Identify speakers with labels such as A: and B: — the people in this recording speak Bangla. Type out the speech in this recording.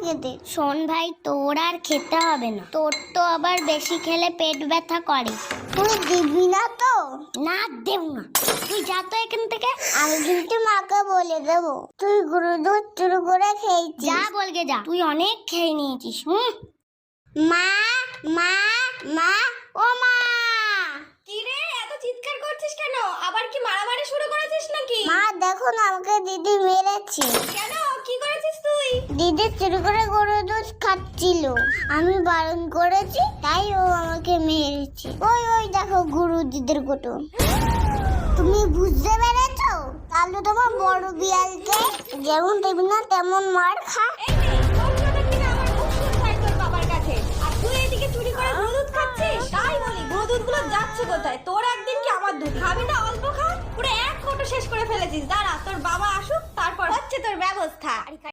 A: খেতে।
B: শোন ভাই, তোর আর খেতে হবে না, তোর তো আবার বেশি খেলে পেট ব্যথা করে।
A: তুই দিবি না তো?
B: না, দেব না, তুই যা তো এখান থেকে।
A: আমি কিন্তু মাকে বলে দেবো তুই গরু দুধ চুরি করে খেয়েছিস।
B: যা বলগে যা, তুই অনেক খেয়ে নিয়েছিস।
A: মা মা মা ও মা।
C: কি রে, এত চিৎকার করছিস কেন? আবার কি মারামারি শুরু করেছিস নাকি?
A: মা দেখো না, আমাকে দিদি মেরেছে।
C: কেন, কি করেছিস তুই?
A: দিদি চুরি করে গরু দুধ খাচ্ছিল, আমি বারণ করেছি তাই ও আমাকে মেরেছে। ওই ওই দেখো গরু দুধের কোটো। তুমি বুঝতে পেরেছো? তাহলে তোমার বড় বিড়ালকে যেমন দেবি না তেমন মার খা।
C: এই নে, তোর জন্য কিনা আমার মুখ শুনতে হয় তোর বাবার কাছে, আর তুই এদিকে চুরি করে গরু দুধ খাচ্ছিস। তাই বলি, গরু দুধগুলো যাচ্ছে কোথায়? তোর একদিন কি আমার দুধ? খাবি না অল্প খা, পুরো এক কোটো শেষ করে ফেলেছিস। দাঁড়া, তোর বাবা আসুক, তারপর হচ্ছে তোর ব্যবস্থা।